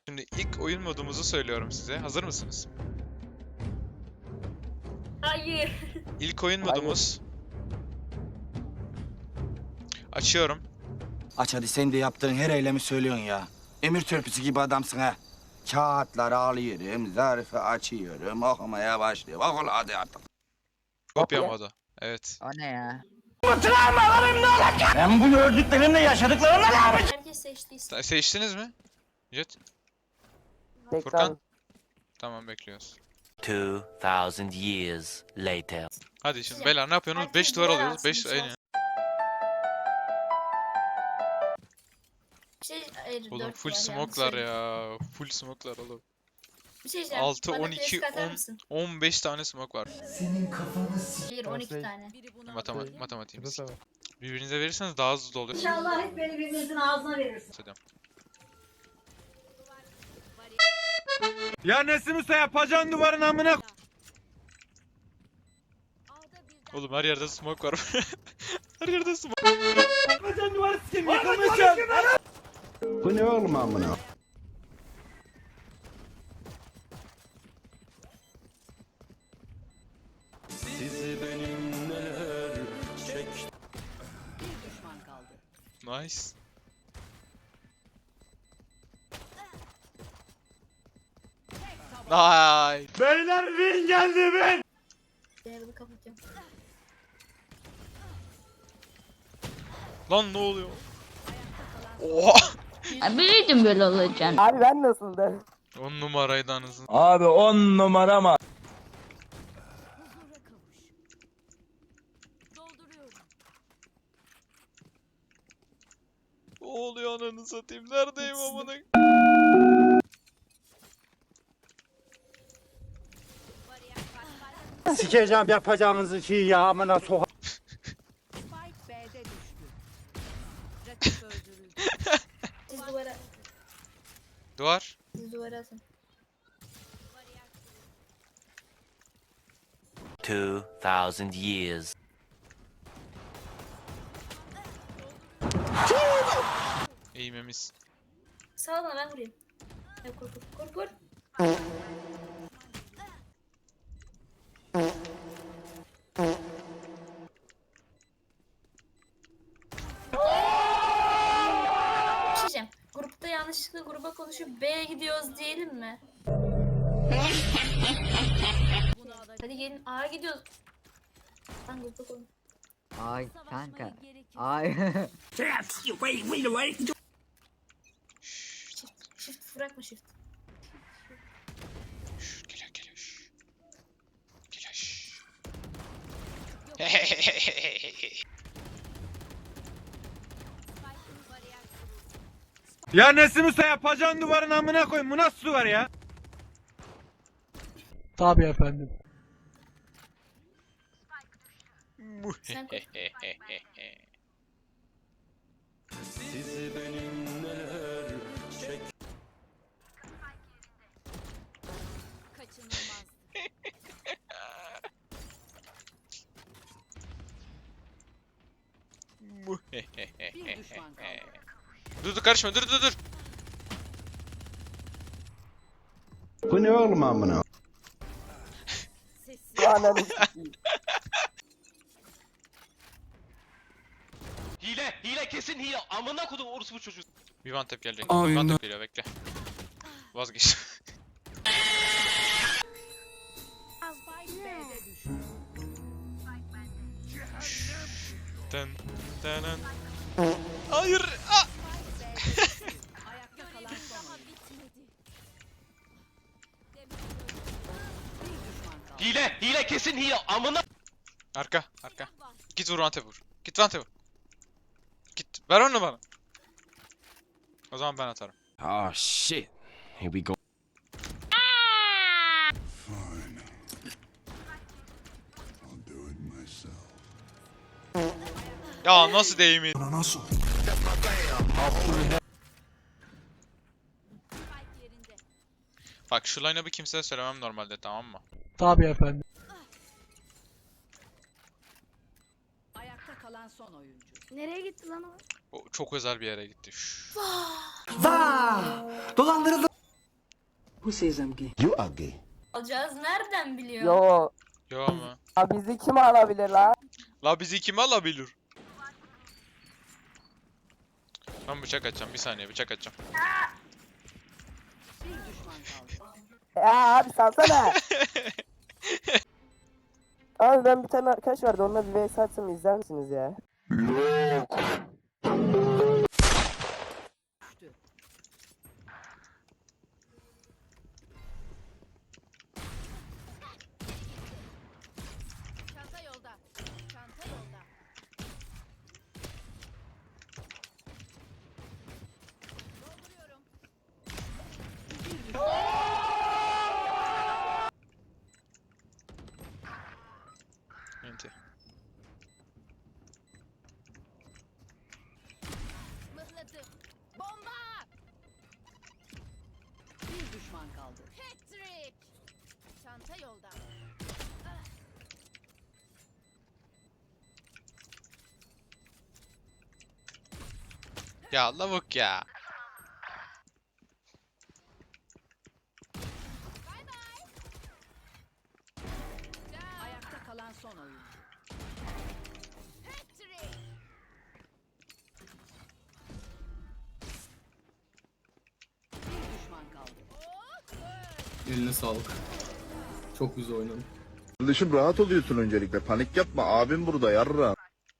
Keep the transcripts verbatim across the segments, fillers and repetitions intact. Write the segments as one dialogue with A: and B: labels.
A: Şimdi ilk oyun modumuzu söylüyorum size. Hazır mısınız?
B: Hayır.
A: İlk oyun modumuz. Açıyorum.
C: Aç hadi, sen de yaptığın her eylemi söylüyorsun ya. Emir törpüsü gibi adamsın ha. Kağıtları alıyorum, zarfı açıyorum, okumaya başlıyorum. Oku hadi artık.
A: Kopya modu. Evet.
D: O ne ya?
C: Ben bu gördüklerimle yaşadıklarımla ne yapacağım?
B: Herkes seçtiyse.
A: Se- Seçtiniz mi? Jet.
E: Tekrar
A: Furkan. Tamam, bekliyoruz.
F: Two thousand years later.
A: Hadi şimdi beyler ne yapıyorsunuz?
B: Herkes
A: beş duvar
B: duvar
A: alıyoruz.
B: alsın,
A: beş
B: bir
A: aynen.
B: Bir şey hayır,
A: Oğlum
B: dört
A: full
B: var, yanlış
A: smoke'lar
B: söyledim.
A: ya. Full smoke'lar oğlum.
B: Bir şey diyeceğim.
A: altı,
B: Bana
A: on iki,
B: klasik atar
A: on,
B: mısın?
A: on beş tane smoke var.
B: Hayır on iki
E: Şey-
B: tane.
A: Matematik, matematiğim.
E: Burası var.
A: Birbirinize verirseniz daha hızlı oluyor.
G: İnşallah hep beni birbirinizin ağzına verirsiniz.
A: Hissediyorum.
C: Ya Nesim Usta, yapacağın duvarın amına.
A: Oğlum her yerde smoke var. Her yerde smoke.
C: Yapacağın duvarı sikeyim, yıkılmayacağım. Bu ne oğlum amına?
A: Nice. Nice.
C: Beyler win geldi win.
B: Değerli kapatıyorum.
A: Lan ne oluyor? Oha.
H: Biliyordum böyle olacağını.
E: Abi ben nasıldı?
A: On numaraydı anasını.
C: Abi on numara mı?
A: Ne oluyor ananı satayım? Neredeyim amına?
C: Sikeceğim yapacağınızı şey ya, amına soğa.
B: Siz duvara,
A: Duvar.
B: siz duvara atın.
F: Two thousand years.
A: Eğimimiz.
B: Sağ bana ben vurayım. Ya kur kur kur kur. Bir şey diyeceğim. Grupta yanlışlıkla gruba konuşup B'ye gidiyoruz diyelim mi? Hadi gelin A'ya gidiyoruz. Ben grupta konuş.
D: Ay kanka. Ay.
B: Shift, shift bırakma shift.
A: Şşş, geliyor geliyor. Şşş. Geliyor şşş.
C: Ya Nesim Usta, yapacağın duvarın amına koyayım. Bu nasıl duvar ya?
E: Tabii efendim.
B: Sen koş.
A: Dur dur karışma, dur dur dur.
C: Bu ne oğlum amına?
E: Ananı sikeyim.
I: Hile, hile kesin hile. Amına kodum orospu çocuğu.
A: Bir one tap gelecek. Bir one tap geliyor, bekle. Vazgeç. Dın dın dın. Hayır. Ah!
I: Hile, hile kesin hile. Amına
A: Arka, arka. Git vur one tap vur. Git one tap vur. Git. Ver onu bana. O zaman ben atarım.
C: Oh shit. Here we go.
A: Ya nasıl değmeyin?
C: Nasıl?
A: Bak şu line-up'ı kimseye söylemem normalde, tamam mı?
E: Tabii efendim.
H: Ayakta kalan son oyuncu.
B: Nereye gitti lan o?
A: O çok özel bir yere gitti. Şşş.
C: Vaa! Dolandırıldım. You are gay.
B: Alacağız nereden biliyor?
E: Yo.
A: Yo ama.
E: Ya bizi kim alabilir lan?
A: La bizi kim alabilir? Ben bıçak açacağım. Bir saniye bıçak açacağım.
H: Bir düşman kaldı.
E: Ya abi salsana. Abi ben bir tane arkadaş vardı onunla bir vs atsam izler misiniz ya?
H: Çanta yolda. Çanta yolda. Dolduruyorum. Bir düşman.
A: Enti.
H: Mıhladı. Bomba! Bir düşman kaldı. Patrick! Çanta yolda.
A: Ya lavuk ya.
H: Ayakta kalan son oyuncu. Patrick! Bir düşman kaldı.
J: Eline sağlık. Çok güzel oynadın.
C: Kardeşim rahat oluyorsun öncelikle. Panik yapma. Abim burada yarra.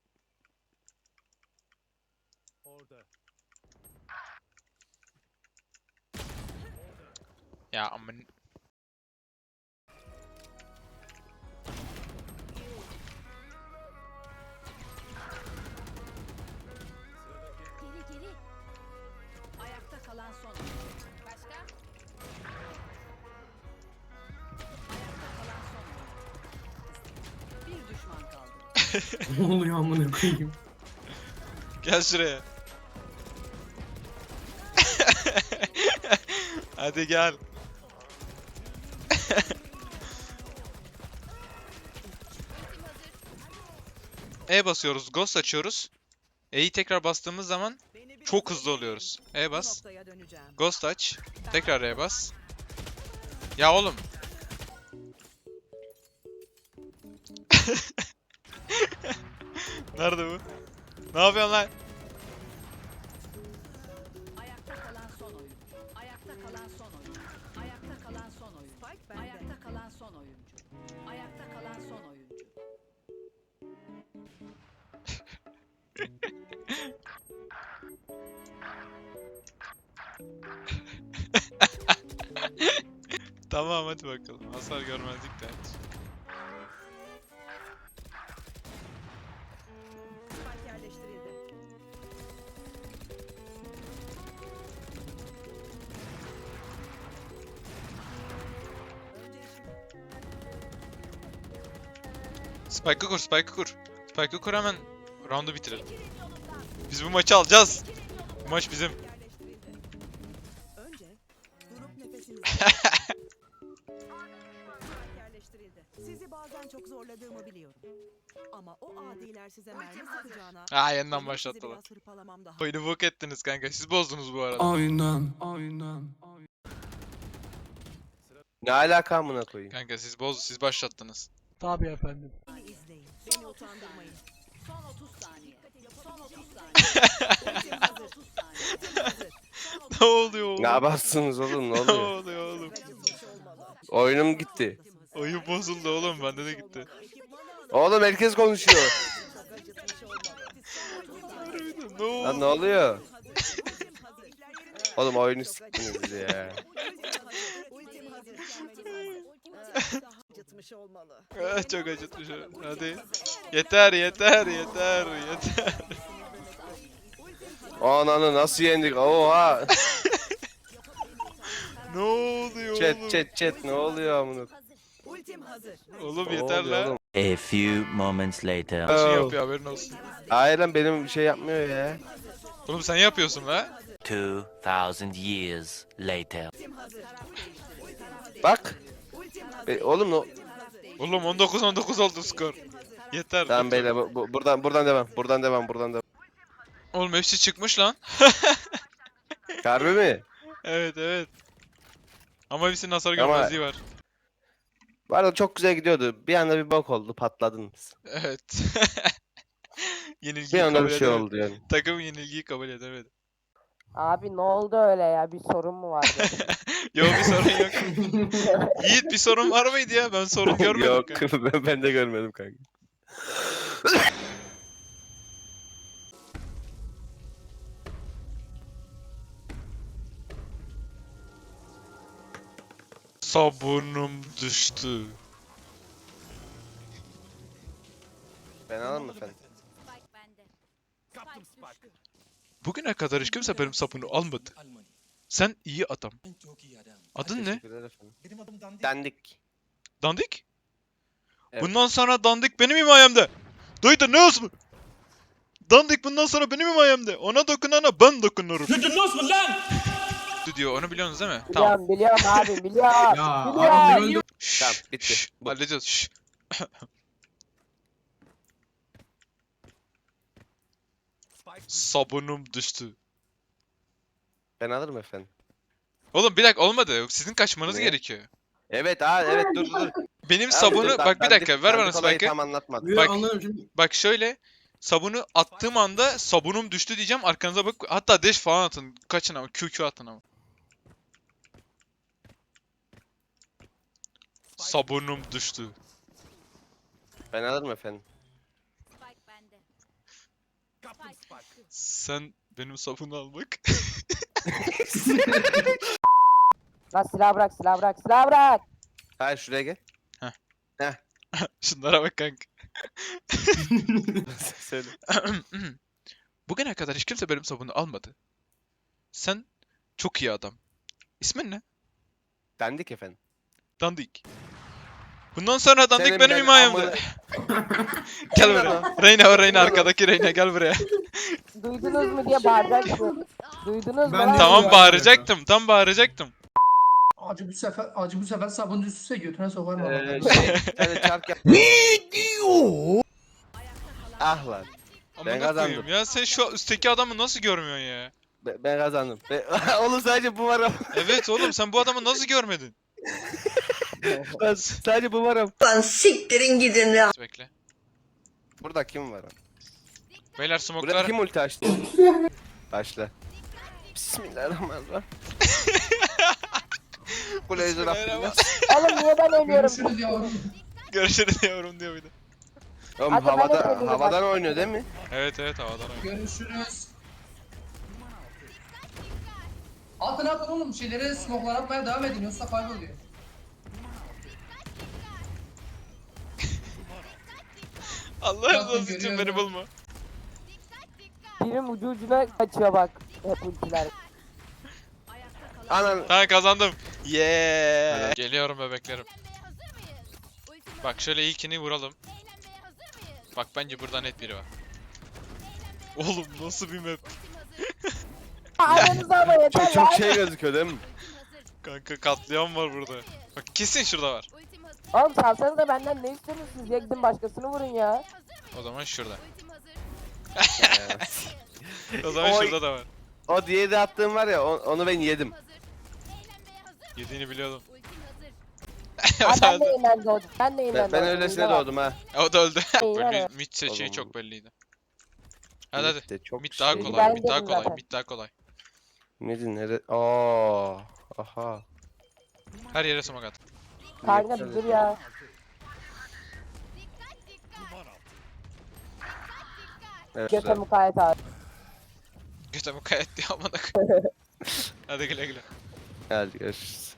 A: Ya aman.
H: Geri geri. Ayakta kalan son oyuncu. Başka? Ayakta kalan son oyuncu. Bir düşman kaldı.
J: Ne oluyor amına koyayım?
A: Gel şuraya. Hadi gel. E basıyoruz, Ghost açıyoruz. E'yi tekrar bastığımız zaman çok hızlı oluyoruz. E bas. Ghost aç. Tekrar E bas. Ya oğlum. Nerede bu? Ne yapıyorsun lan?
H: Ayakta kalan son oyuncu. Ayakta kalan son oyuncu. Ayakta kalan son oyuncu. Ayakta kalan son oyuncu. Ayakta kalan son oyuncu.
A: Tamam hadi bakalım. Hasar görmezlik de aç. Spike'ı kur, Spike'ı kur. Spike'ı kur hemen round'u bitirelim. Biz bu maçı alacağız. Bu maç bizim.
K: Önce durup nefesinizi yerleştirildi. Sizi bazen çok zorladığımı biliyorum. Ama o adiler size mermi sıkacağına...
A: Aa yeniden
K: benim
A: başlattılar.
K: sizi biraz hırpalamam daha...
A: Oyunu bok ettiniz kanka. Siz bozdunuz bu arada.
J: Aynen, aynen.
I: Ne alaka amına koyayım?
A: Kanka siz boz, siz başlattınız.
E: Tabii efendim.
K: Beni izleyin. Beni utandırmayın.
H: Son otuz saniye. Son otuz saniye.
K: Ultim hazır.
H: otuz saniye.
K: Ultim hazır.
A: Ne oluyor oğlum?
I: Ne yaparsınız oğlum ne
A: Ne
I: oluyor?
A: oluyor oğlum?
K: Acıtmış olmalı.
I: Oyunum gitti.
A: Oyun bozuldu oğlum. Bende de gitti.
I: Oğlum herkes konuşuyor.
K: Çok acıtmış olmalı.
A: Ne oldu?
I: Lan ne oluyor?
K: Ultim hazır.
I: Oğlum oyunu siktiniz bizi ya.
K: Ultim hazır. Acıtmış olmalı.
A: Ah, çok acıtmış. Hadi. Yeter yeter yeter yeter.
I: Ananı nasıl yendik? Oha.
A: Ne oluyor oğlum?
I: Chat chat chat ne oluyor amına?
K: Ultim hazır.
A: Oğlum
I: Ne
A: yeter
I: oluyor
A: la.
I: oğlum?
F: A few moments later.
A: Her şey
I: Oh.
A: yapıyor haberin olsun.
I: Hayır lan benim bir şey yapmıyor ya.
A: Oğlum sen yapıyorsun la.
F: Two thousand years later.
I: Bak. Be- oğlum no.
A: Oğlum on dokuz on dokuz oldu skor. Yeter.
I: Tamam
A: yeter.
I: beyler bu, bu- buradan buradan devam. Buradan devam. Buradan devam.
A: Oğlum hepsi çıkmış lan.
I: Harbi mi?
A: Evet evet. Ama hepsinin hasar
I: Ama-
A: görmezliği var.
I: Bu arada çok güzel gidiyordu. Bir anda bir bok oldu. Patladınız.
A: Evet.
I: Bir
A: Yenilgiyi
I: anda
A: kabul
I: bir şey
A: edemedi.
I: oldu yani.
A: Takım yenilgiyi kabul edemedi.
E: Abi ne oldu öyle ya? Bir sorun mu vardı?
A: Yok bir sorun yok. Yiğit bir sorun var mıydı ya? Ben sorun görmedim.
I: Yok
A: kanka.
I: ben, ben de görmedim kanka.
A: Sabunum düştü.
I: Ben alır mı efendim?
A: Bugüne kadar hiç kimse benim sapını almadı. Sen iyi adam. Adın ne?
I: Teşekkürler efendim. Dandik.
A: Dandik?
I: Evet.
A: Bundan sonra Dandik benim himayemde. Duydun ne olsun? Dandik bundan sonra benim himayemde. Ona dokunana ben dokunurum.
J: Duydunuz mu lan?
A: Diyor onu biliyorsunuz değil mi? Tamam.
E: biliyorum biliyorum abi biliyorum.
J: Ya
E: biliyorum.
J: adam öldü.
A: Şşş,
I: Tamam, bitti.
A: şşş,
I: Bu.
A: halledeceğiz. Şşş. Sabunum düştü.
I: Ben alırım efendim.
A: Oğlum bir dakika olmadı. Sizin kaçmanız
I: Ne?
A: gerekiyor.
I: Evet ha evet dur dur. dur.
A: Benim
I: Abi,
A: sabunu
I: dur,
A: bak bir
I: dandik-
A: dakika ver bana
I: dandik olayı
A: spike'ı.
I: tam anlatmadım.
J: Niye
A: Bak.
J: anlarım şimdi.
A: Bak şöyle sabunu attığım anda sabunum düştü diyeceğim arkanıza bak hatta dash falan atın kaçın ama Q Q atın ama. Sabunum düştü.
I: Ben alırım efendim.
A: Sen benim sabunu al bak.
E: Lan silah bırak silah bırak silah bırak.
I: Hayır şuraya gel.
A: Şunlara bak kanka.
I: Söyle.
A: Bugüne kadar hiç kimse benim sabunu almadı. Sen çok iyi adam. İsmin ne?
I: Dandik efendim.
A: Dandik. Bundan sonra Dandik
I: Senin
A: benim
I: ben
A: himayemde.
I: amına-
A: Gel
I: Kim lan
A: buraya. Reyna o Reyna arkadaki Reyna gel buraya.
E: Duydunuz mu diye bağıracaksın. Duydunuz mu
J: Ben
E: lan?
J: de-
A: Tamam
J: Ya,
A: bağıracaktım. Tam bağıracaktım.
J: Acı bu sefer acı bu sefer sabun üstüse götüne sokarım.
I: Ee, şey, bir tane çark yap. Ah lan. Ben
A: Amına
I: kazandım.
A: koyayım ya sen şu üstteki adamı nasıl görmüyorsun ya?
I: Ben, ben kazandım. Ben... Oğlum sadece bu var ama.
A: Evet oğlum sen bu adamı nasıl görmedin?
I: Ben sadece bu var ama.
G: Lan siktirin gidin ya.
A: Bekle.
I: Burada kim var ama?
A: Beyler
I: Burada
A: smoke'lar.
I: kim ulti açtı? Başla. Bismillahirrahmanirrahim. Kule yüzü Rabbim.
E: Oğlum niye ben ölüyorum?
J: Görüşürüz yavrum.
A: Görüşürüz yavrum diyor bir de.
I: Oğlum
E: Hadi ben de
I: havada,
E: söyleyeyim
I: havadan oynuyor değil mi?
A: Evet evet havadan oynuyor.
J: Görüşürüz. Atın atın oğlum şeyleri smoke'lar atmaya devam edin yoksa kayboluyor.
A: Allah
J: Zaten
A: razı olsun
J: görüyorum
A: beni
J: ya.
A: bulma.
E: Birim ucu ucuna kaçıyor bak. Hep ultiler.
I: Anan.
A: Tamam kazandım. Yeah. Geliyorum bebeklerim. Bak şöyle ilkini vuralım. Bak bence burada net biri var. Oğlum nasıl bir map?
E: Aranızda ama yeter
I: Çok,
E: lan.
I: çok şey gözüküyor değil mi?
A: Kanka katliam var burada. Bak kesin şurada var.
E: Oğlum salsanız da benden ne istiyorsunuz siz ya gidin başkasını vurun ya.
A: O zaman şurada.
I: Evet.
A: O zaman
I: Oy.
A: şurada da var.
I: O diye de attığım var ya o- onu ben yedim.
A: Yediğini biliyordum.
E: Ha,
A: o, da
E: ben de
A: öldü.
E: yeniden doğdum. Ben de yeniden
I: Ben, ben
E: doğdum.
I: öylesine
E: İyi bak.
I: doğdum ha.
A: o da öldü.
E: İyi
A: Böyle
E: ya.
A: mid seçeneği
I: Oğlum.
A: çok belliydi. Hadi hadi.
I: De çok
A: Mid daha
I: şey.
A: kolay,
E: Ben
A: mid daha
E: dedim
A: kolay,
E: zaten.
A: mid daha kolay.
I: Neydi nere? Aa, aha.
A: Her yere smoke at.
E: Kanka bir dur ya.
I: Evet,
E: Göte
I: güzel.
E: mukayyet abi.
A: Göte mukayyet diye amına koyayım. Hadi güle güle.
I: Hadi görüşürüz.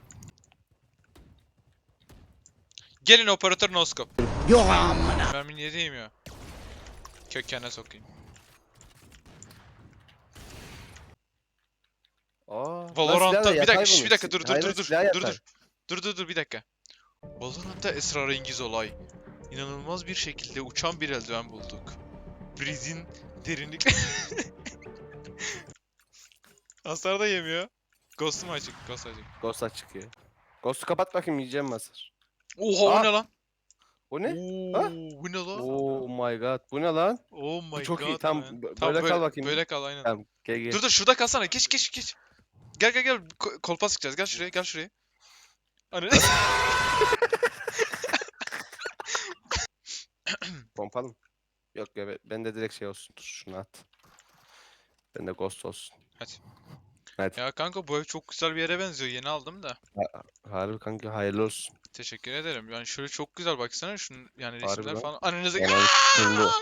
A: Gelin operatör no scope. Yok amına. Mermini yediğim ya. Kökene sokayım.
I: Aa,
A: Valorant'ta bir dakika, şş,
I: şş,
A: bir dakika dur dur dur dur. Dur dur. Dur dur dur bir dakika. Valorant'ta esrarengiz olay. İnanılmaz bir şekilde uçan bir eldiven bulduk. Breeze'in derinlik... Hasar da yemiyor. Ghost'um açık, Ghost açık.
I: Ghost açık ya. Ghost'u kapat bakayım yiyeceğim masar.
A: Oha o
I: Aa.
A: ne lan?
I: O ne?
A: Oo, bu ne lan?
I: Oh my god. Bu ne lan?
A: Oh my
I: çok
A: god.
I: iyi, tam
A: man.
I: bö-
A: Tam
I: böyle kal bakayım.
A: Böyle kal aynen.
I: Tamam gel gel.
A: Dur dur şurada kalsana. Geç geç geç. Gel gel gel. Ko- Kolpa sıkacağız. Gel şuraya, gel şuraya. Ananı
I: Pompalı mı? Yok ya be- ben de direkt şey olsun. Dur şunu at. Ben de ghost olsun.
A: Hadi.
I: Hadi.
A: Ya kanka bu ev çok güzel bir yere benziyor. Yeni aldım da.
I: Harbi kanka hayırlı olsun.
A: Teşekkür ederim. Yani şöyle çok güzel baksana şunun yani
I: Harbi
A: resimler
I: lan.
A: falan. Ananızı
I: Ananı sikim bu.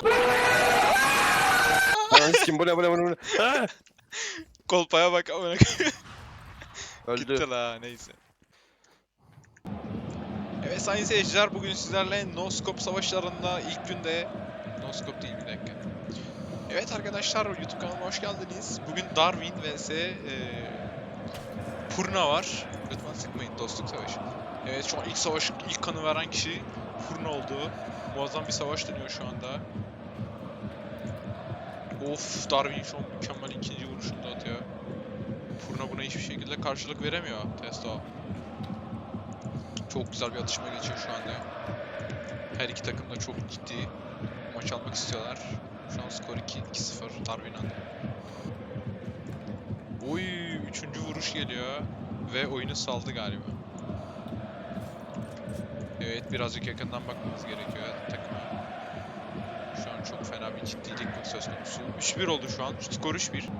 I: Ananı sikim bu ne bu ne bu ne, bu ne? Ha!
A: kolpaya bak amına.
I: Öldü.
A: Gitti la neyse. Evet sayın seyirciler bugün sizlerle No Scope savaşlarında ilk günde No Scope değil bir dakika. Evet arkadaşlar YouTube kanalıma hoş geldiniz. Bugün Darwin vs eee Purna var. Lütfen sıkmayın dostluk savaşı. Evet şu an ilk savaş ilk kanı veren kişi Purna oldu. Muazzam bir savaş dönüyor şu anda. Of Darwin şu an mükemmel ikinci vuruşunu da atıyor. Purna buna hiçbir şekilde karşılık veremiyor Testo. Çok güzel bir atışma geçiyor şu anda. Her iki takım da çok ciddi maç almak istiyorlar. Şu an skor iki sıfır Darwin önde. Oy, üçüncü vuruş geliyor ve oyunu saldı galiba. Evet, birazcık yakından bakmamız gerekiyor takıma. Şu an çok fena bir ciddilik söz konusu. üç bir oldu şu an. Skor üç bir.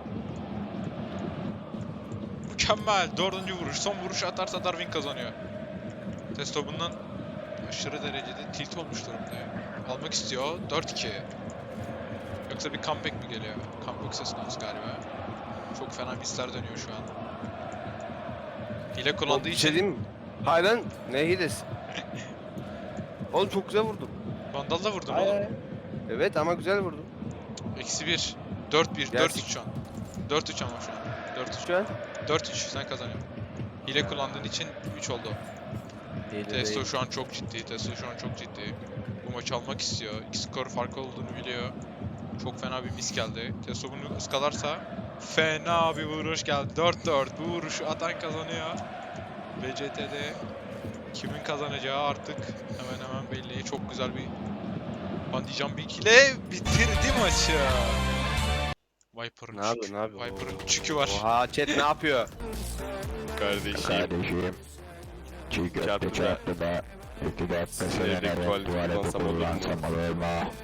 A: Mükemmel. Dördüncü vuruş. Son vuruş atarsa Darwin kazanıyor. Testo bundan aşırı derecede tilt olmuş durumda ya. Almak istiyor. dört iki. Yoksa bir comeback mi geliyor? Comeback söz konusu galiba. Çok fena misler dönüyor şu an. Hile kullandığı
I: Bir
A: için
I: şey diyeyim mi? Hayır lan ne hilesi? Oğlum çok güzel vurdum.
A: Vandal'la vurdun
I: Hayır,
A: oğlum.
I: hayır. Evet ama güzel vurdum.
A: Eksi bir. dört bir. dört üç şu an. dört üç ama şu an. dört üç.
I: Şu an.
A: dört üç sen kazanıyorsun. Hile kullandığın için üç oldu. Testo şu an çok ciddi. Testo şu an çok ciddi. Bu maçı almak istiyor. İki skor farkı olduğunu biliyor. Çok fena bir mis geldi. Testo bunu ıskalarsa fena bir vuruş geldi. dört dört. Bu vuruşu atan kazanıyor. B C T'de kimin kazanacağı artık hemen hemen belli. Çok güzel bir Bungee jumping ile bitirdi maçı. Viper'ın
I: Ne yapıyor ne yapıyor?
A: Viper'ın çükü var.
I: Oha chat ne yapıyor?
F: Kardeşim. Çiğ
I: köfte çarptı
F: da iki dakika
I: Sinirlik tuvaleti kullansam olur mu?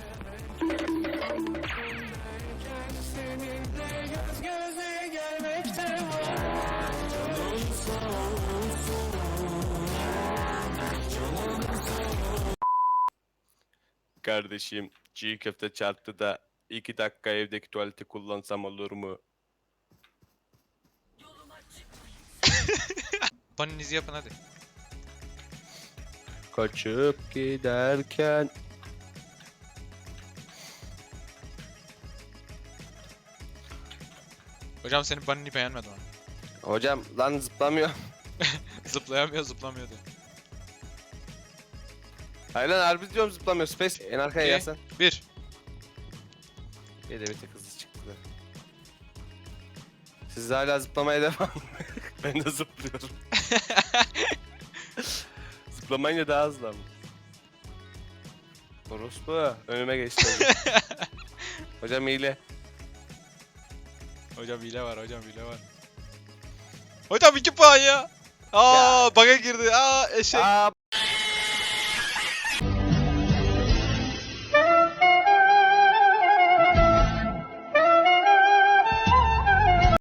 I: Kardeşim çiğ köfte çarptı da iki dakika evdeki tuvaleti kullansam olur mu?
A: Baninizi yapın hadi.
I: Kaçıp giderken
A: Hocam senin banini beğenmedim ama.
I: hocam lan zıplamıyor.
A: Zıplayamıyor zıplamıyor diyor.
I: Hayır lan harbi diyorum zıplamıyor. Space en arkaya
A: İki.
I: gelsen.
A: Bir.
I: Bir de bir tek hızlı çıktı da. Siz hala zıplamaya devam. Ben de zıplıyorum. Zıplamayınca daha hızlı ama. Orospu önüme geçti. Hocam hile.
A: Hocam hile var hocam hile var. Hocam iki puan ya. Aa bug'a girdi. Aa eşek.
I: Aa